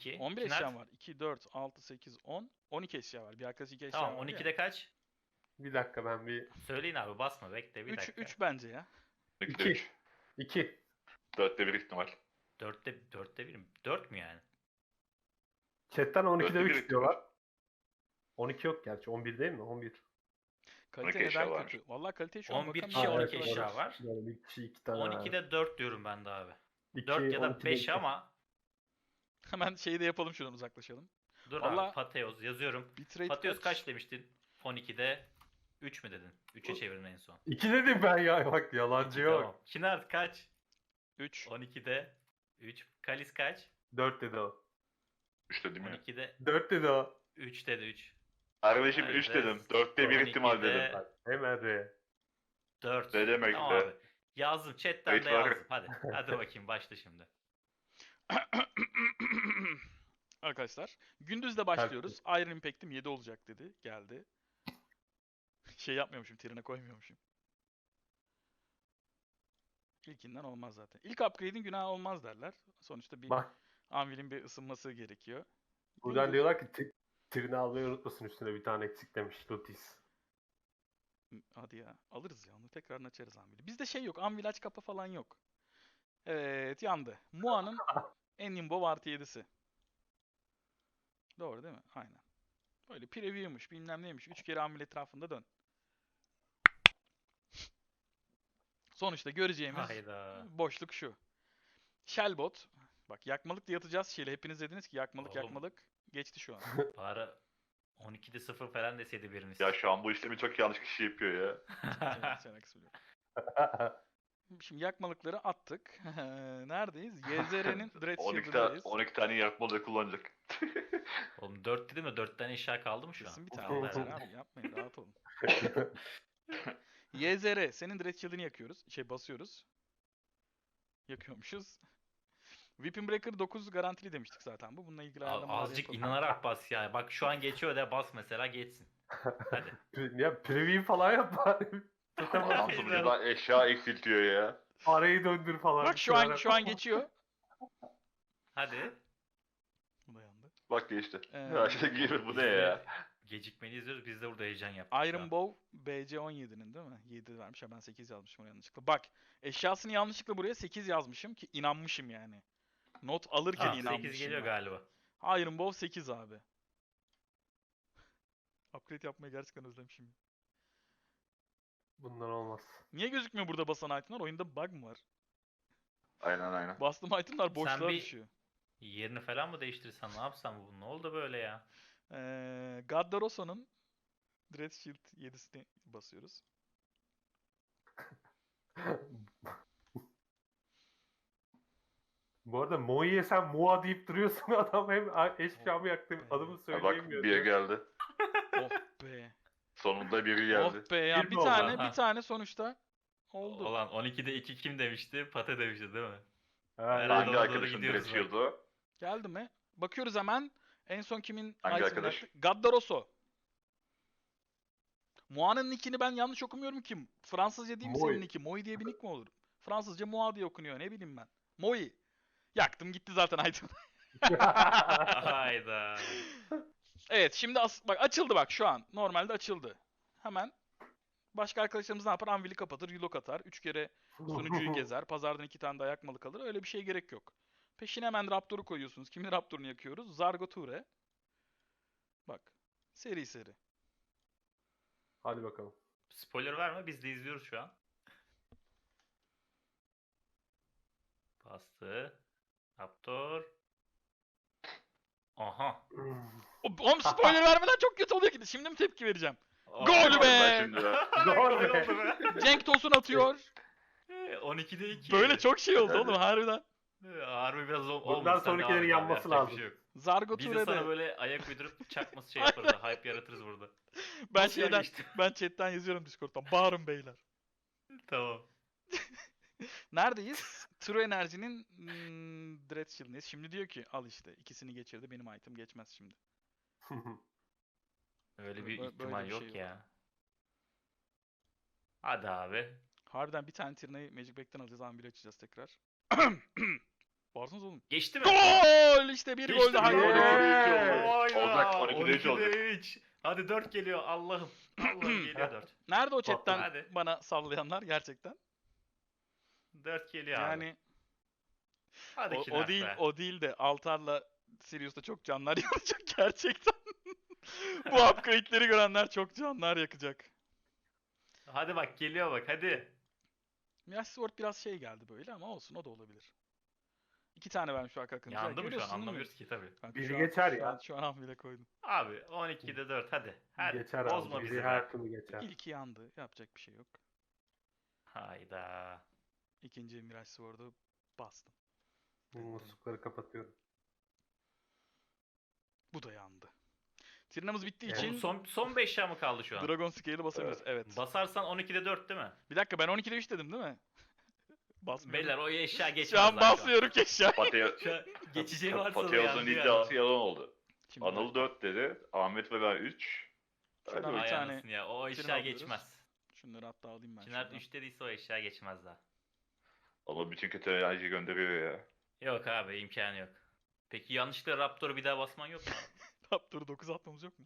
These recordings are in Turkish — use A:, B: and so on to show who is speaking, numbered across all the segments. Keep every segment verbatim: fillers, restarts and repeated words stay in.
A: iki.
B: on bir
A: Kinart.
B: eşyam var. iki, dört, altı, sekiz, on. on iki eşya var. Bir arkadaş iki eşya
A: Tamam
B: var
A: on
B: ya.
A: ikide kaç?
C: Bir dakika ben bir...
A: Söyleyin abi basma bekle bir
B: üç,
A: dakika.
B: üç bence ya.
D: ikide
C: İki.
D: üç.
C: İki.
D: dörtte bir ihtimal.
A: Dörtte, dörtte bir mi? Dört mü yani?
C: Chatten on ikide
D: Dörtte bir
C: üç
D: ihtimal.
C: diyorlar. on iki yok gerçi. on bir değil mi? on bir.
B: Kalite
D: on iki eşya
B: neden
D: varmış.
B: kötü? Vallahi kaliteye şu an
A: on bir
B: bakamıyorum.
A: kişi
C: Ha,
A: on
C: evet,
A: iki
C: doğru.
A: eşya var.
C: Yani bir kişi iki tane
A: on
C: var.
A: ikide dört diyorum ben de abi.
C: İki,
A: dört ya
C: on
A: da
C: ikide
A: beş
C: iki.
A: ama
B: Hemen şeyi de yapalım, şuradan uzaklaşalım.
A: dur
B: Vallahi-
A: abi Pateos yazıyorum.
B: Bitrate
A: Pateos
B: kaç?
A: kaç demiştin? on ikide üç mü dedin? üçe çevirin en son.
C: İki dedim ben ya. Bak yalancı yok.
A: Tamam. Kinart kaç?
B: üç.
A: on ikide üç. Kalis kaç?
C: Dört dedi o.
D: üç dedim
A: on
D: ya.
A: ikide
C: Dört dedi o.
A: üç dedi üç.
D: Kardeşim
A: Evet.
D: üç dedim. dörtte bir
A: on
D: ihtimal
A: ikide
D: dedim.
C: Bak, hemen re.
A: dört.
D: Ne demek
A: Tamam
D: be?
A: abi. Yazdım chatten
D: Kayıt
A: de
D: var.
A: yazdım. Hadi. Hadi bakayım başla şimdi.
B: Arkadaşlar gündüzde başlıyoruz. Iron Impact'im yedi olacak dedi. Geldi. Şey yapmıyormuşum, trine koymuyormuşum. İlkinden olmaz zaten. İlk upgrade'in günahı olmaz derler. Sonuçta bir
C: Bak
B: Anvil'in bir ısınması gerekiyor.
C: buradan
B: Gündüz-
C: diyorlar ki tri- trini almayı unutmasın, üstüne bir tane eksik demiş Lutis.
B: Hadi ya. Alırız ya onu. Tekrarını açarız Anvil'i. Bizde şey yok. Anvil aç kapa falan yok. Evet yandı. Mua'nın Enimbo artı yedisi. Doğru değil mi? Aynen. Böyle preview'muş bilmem neymiş. Üç kere Anvil etrafında dön. Sonuçta göreceğimiz
A: Hayda.
B: boşluk şu. Shellbot. Bak yakmalık diye atacağız şeyle. Hepiniz dediniz ki yakmalık
A: Oğlum.
B: yakmalık. Geçti şu an.
A: Bari on ikide sıfır falan deseydi biriniz.
D: Ya şu an bu işlemi çok yanlış kişi yapıyor ya.
B: Sen- sen haksız biliyorum. Şimdi yakmalıkları attık. Neredeyiz? Y Z R'nin Dread
D: on iki, ta
B: Shield'ındayız.
D: on iki tane yakmalı kullanacak.
A: Oğlum dört dedim de dört tane eşya kaldı mı şu an?
B: Kesin bir tane
A: Kaldı
B: olacak
A: herhalde.
B: abi. Yapmayın rahat olun. Y Z R senin Dread Shield'ını yakıyoruz. Şey basıyoruz. Yakıyormuşuz. Weapon Breaker dokuz garantili demiştik zaten bu. Bununla ilgili
A: A-
B: ayarlamalar
A: Azıcık
B: yapalım.
A: inanarak bas ya. Bak şu an geçiyor de bas mesela geçsin. Hadi.
C: Ya preview falan yap bari.
D: Adam sunucuda eşya eksiltiyor ya.
C: Arayı döndür falan.
B: Bak şu an şu an geçiyor.
A: Hadi.
B: Bu da yandı.
D: Bak geçti.
B: Ee,
D: Ya şey gibi bu
A: Biz
D: ne
A: de
D: ya?
A: Gecikmeli izliyoruz. Biz de burada heyecan yaptık. şu
B: Iron
A: an.
B: Bow B C on yedi'nin değil mi? yedi vermiş ya ben sekiz yazmışım oraya yanlışlıkla. Bak eşyasını yanlışlıkla buraya sekiz yazmışım ki inanmışım yani. Not alırken
A: Ah,
B: inanmışım.
A: sekiz geliyor
B: ben.
A: galiba.
B: Iron Bow sekiz abi. Upgrade yapmayı gerçekten özlemişim.
C: Bundan olmaz.
B: Niye gözükmüyor burada basan itemler? Oyunda bug mı var?
D: Aynen aynen.
B: Bastığım itemler boşluğa
A: bir-
B: düşüyor.
A: Yerini falan mı değiştirsen ne yapsam bu? Ne oldu böyle ya?
B: Ee, Gaddaroso'nun Dread Shield yedisini basıyoruz.
C: Bu arada Moi'ye sen Moa deyip duruyorsun, adam hem eşyamı yaktı hem adımı
D: Ha, bak
C: söyleyemiyor.
D: bir geldi.
B: Oh be.
D: Sonunda biri geldi.
B: Oh be ya.
C: Bir
B: Bir
C: mi oldu?
B: tane
A: Ha.
B: bir tane sonuçta oldu.
A: Olan on ikide iki kim demişti? Pate demişti değil mi?
C: Ha,
A: Herhalde
D: Hangi
A: ona doğru
D: arkadaşın
A: gidiyoruz
D: direkt
A: bak.
D: shield'u?
B: Geldi mi? Bakıyoruz hemen. En son kimin
D: Hangi
B: item'ını
D: arkadaş?
B: yaktık? Gaddaroso. Moa'nın nickini ben yanlış okumuyorum ki. Fransızca değil mi
C: Moi.
B: senin nicki? Moi diye bir nick mi olur? Fransızca Moa diye okunuyor. Ne bileyim ben. Moi. Yaktım gitti zaten item.
A: Hayda.
B: Evet şimdi as- bak açıldı bak şu an. Normalde açıldı. Hemen başka arkadaşlarımız ne yapar? Anvil'i kapatır, relock atar. Üç kere sunucuyu gezer. Pazardan iki tane daha yakmalı kalır. Öyle bir şeye gerek yok. Peşine hemen Raptor'u koyuyorsunuz. Kimin Raptor'unu yakıyoruz? Zargoture. Bak. Seri seri.
C: Hadi bakalım.
A: Spoiler verme biz de izliyoruz şu an. Bastı. Raptor. Aha.
B: O- Oğlum spoiler vermeden çok kötü oluyor ki. Şimdi mi tepki vereceğim? Gol
A: Aa,
B: be!
D: Ben şimdi ya.
C: Gol
A: Gol
C: be!
A: oldu be.
B: Cenk Tosun atıyor.
A: on ikide iki.
B: Böyle çok şey oldu
D: Evet.
B: oğlum harbiden.
A: Harbi biraz o-
C: Bundan
A: olmuş. Sen
C: sonrakilerin
A: devam et abi,
C: yanması
A: yapacak
C: lazım.
A: bir şey yok.
B: Zargoture
A: Biz de sana
B: de.
A: böyle ayak uydurup çakması şey yaparız. da, hype yaratırız burada.
B: Ben
A: Nasıl
B: şeyden,
A: yani işte?
B: ben chatten yazıyorum Discord'dan. Bağırın beyler.
A: Tamam.
B: Neredeyiz? True Energy'nin hmm, Dread Shield'ındeyiz. Şimdi diyor ki al işte ikisini geçirdi benim item geçmez şimdi.
A: Öyle
B: Bö-
A: bir
B: böyle
A: ihtimal
B: bir
A: yok
B: şey yok.
A: ya. Hadi abi.
B: Harbiden bir tane Tyrna'yı Magic Back'ten alacağız. Anvil'i açacağız tekrar. Varsınız oğlum.
A: Geçti mi?
B: Gol! İşte bir
A: Geçti
B: gol daha.
A: mi?
B: gol.
C: Yeah!
D: Olacak, on ikide üç olacak.
A: üç. Hadi dört geliyor Allah'ım. Allah'ım geliyor dört.
B: Nerede o chatten
A: Hadi.
B: bana sallayanlar gerçekten?
A: dört geliyor abi.
B: Yani
A: Hadi
B: o,
A: Kinar
B: o değil
A: be.
B: o değil de Altar'la Sirius'ta çok canlar yakacak gerçekten. Bu upgrade'leri görenler çok canlar yakacak.
A: Hadi bak geliyor bak hadi.
B: Mirage Sword biraz şey geldi böyle ama olsun, o da olabilir. İki tane vermiş arka akınca.
A: Yandı mı şu an
B: Görüyorsun değil mi?
A: anlamıyoruz ki tabii.
B: Kanka
C: Biri
B: şu an-
C: geçer
B: şu
C: ya.
B: an- Şu an hamile koydum.
A: Abi on ikide dört hadi. Hadi.
C: Geçer
A: Bozma
C: abi.
A: bizi
C: Biri
A: be.
C: her türlü geçer.
B: İlki yandı. Yapacak bir şey yok.
A: Hayda.
B: İkinci Mirage Sword'u bastım.
C: Muslukları kapatıyorum.
B: Bu da yandı. Tirinamız bittiği
C: Evet.
B: için
A: Oğlum son, son beş eşya mı kaldı şu an?
B: Dragon Scale'ı basabiliriz. Evet.
A: Basarsan on ikide dört değil mi?
B: Bir dakika, ben on ikide üç dedim değil mi? Basmıyorum.
A: Beyler o eşya geçmez.
B: Şu an
A: lan
B: basmıyorum ki eşya.
D: Pateo,
A: Şu an geçeceği varsa da
D: Pateos'un
A: yandı
D: iddiası
A: ya.
D: yalan oldu.
B: Şimdi
D: Anıl dört dedi. Ahmet ve ben üç.
B: Şuradan
A: Ay
B: bir tane
A: anasını ya o
B: Tirin
A: eşya
B: alıyoruz.
A: geçmez.
B: şunları hatta alayım ben.
A: Çınar
B: şuradan.
A: üç dediyse o eşya geçmez daha.
D: Ama bütün kötü enerji gönderiyor ya.
A: Yok abi imkanı yok. Peki yanlışlıkla Raptor'u bir daha basman yok mu?
B: Raptor'u dokuz atmamız yok mu?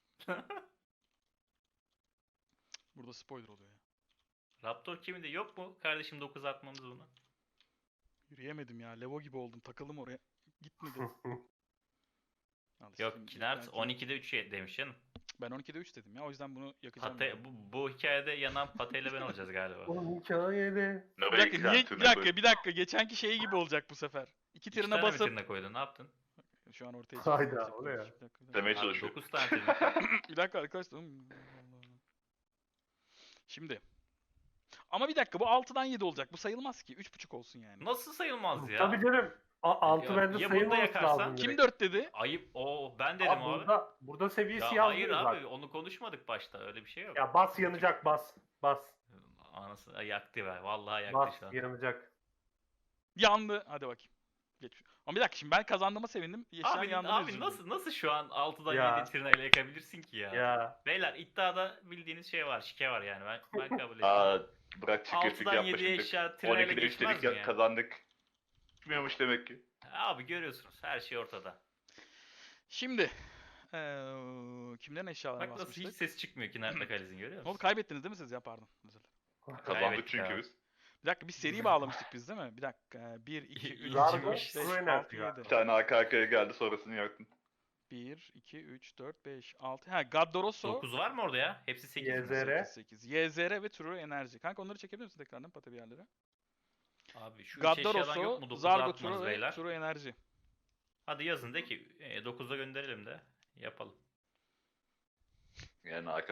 B: Burada spoiler oluyor ya.
A: Raptor kiminde yok mu? Kardeşim dokuz atmamız bunu.
B: Yürüyemedim ya. Levo gibi oldum. Takıldım oraya. Gitmedi. Al işte
A: Yok
B: şimdi
A: Kinart
B: belki-
A: on ikide üç demiş canım.
B: Ben on ikide üç dedim ya. O yüzden bunu yakacağım.
A: Pate,
B: yani.
A: bu, bu hikayede yanan pateyle ben olacağız galiba.
C: O hikayede.
B: Bir dakika, niye, bir dakika, bir dakika. Geçenki şey gibi olacak bu sefer. İki
A: İki
B: tirine
A: tane mi
B: basıp
A: tirine koydun ne yaptın?
B: şu an ortaya
C: Hayda,
B: çıkacak.
C: o ne ya?
B: Bir dakika, bir dakika.
D: Demeye
A: Abi
D: çalışıyor.
A: dokuz tane tirine.
B: Bir dakika arkadaşlar. Hmm, Allah Allah. Şimdi. Ama bir dakika, bu altıdan yedi olacak. Bu sayılmaz ki. üç buçuk olsun yani.
A: Nasıl sayılmaz ya?
C: Tabii canım. A- altı
A: Ya-
C: bende
A: ya
C: sayılmaması
A: bunda yakarsan-
C: lazım.
B: Kim
C: direkt.
B: dört dedi?
A: Ayıp. O ben dedim
C: Abi
A: abi.
C: burada, burada seviyesi
A: Ya hayır
C: yazmıyor
A: abi
C: zaten.
A: onu konuşmadık başta öyle bir şey yok.
C: Ya bas yanacak bas. Bas.
A: Anası Ay, yaktı be vallahi yaktı
C: Bas
A: şu an.
C: yanacak.
B: Yandı. Hadi bakayım. Geç. Ama bir dakika, şimdi ben kazandığıma sevindim. Yeşil
A: Abi,
B: yandığına
A: abi
B: üzüldüm.
A: nasıl nasıl şu an altıdan
C: Ya.
A: yedi tırnağıyla yakabilirsin ki ya?
C: Ya.
A: Beyler iddiada bildiğiniz şey var, şike var yani ben, ben kabul ediyorum.
D: Aa, bırak çirkeflik
A: altıdan
D: yapma
A: yediye
D: şimdi.
A: eşya
D: on
A: tırnağıyla
D: ikide üç
A: geçmez
D: dedik
A: mi
D: ya
A: ya?
D: kazandık. Çıkmıyormuş demek ki.
A: Abi görüyorsunuz her şey ortada.
B: Şimdi. Eee kimlerin eşyalarına
A: Bak nasıl hiç
B: basmıştık?
A: ses çıkmıyor ki Nerede Kaliz'in görüyor
B: Ne oldu,
A: musun?
B: kaybettiniz değil mi siz ya, pardon. Özür dilerim.
D: Kazandık
A: Kaybettik
D: çünkü
A: abi.
D: biz.
B: Bir dakika, biz seri bağlamıştık biz değil mi? Bir dakika. bir, iki, üç,
C: Zargo,
B: dört, beş,
C: True
B: altı,
C: Energy
B: yedi.
D: Bir tane arka arkaya geldi sonrasını yaktın.
B: bir, iki, üç, dört, beş, altı. Ha, Gaddoroso.
A: dokuz var mı orada ya? Hepsi sekiz
C: Y
A: mi?
C: Z R.
B: sekiz. Y Z R ve True Enerji. Kanka onları çekebilir misin tekrardan pata bir yerlere?
A: Abi şu üç eşyadan yok
B: Gaddoroso,
A: mu dokuza
B: Zargo,
A: atmanız
B: True ve
A: beyler?
B: True Enerji.
A: Hadi yazın de ki dokuzda gönderelim de yapalım.
D: Yani arka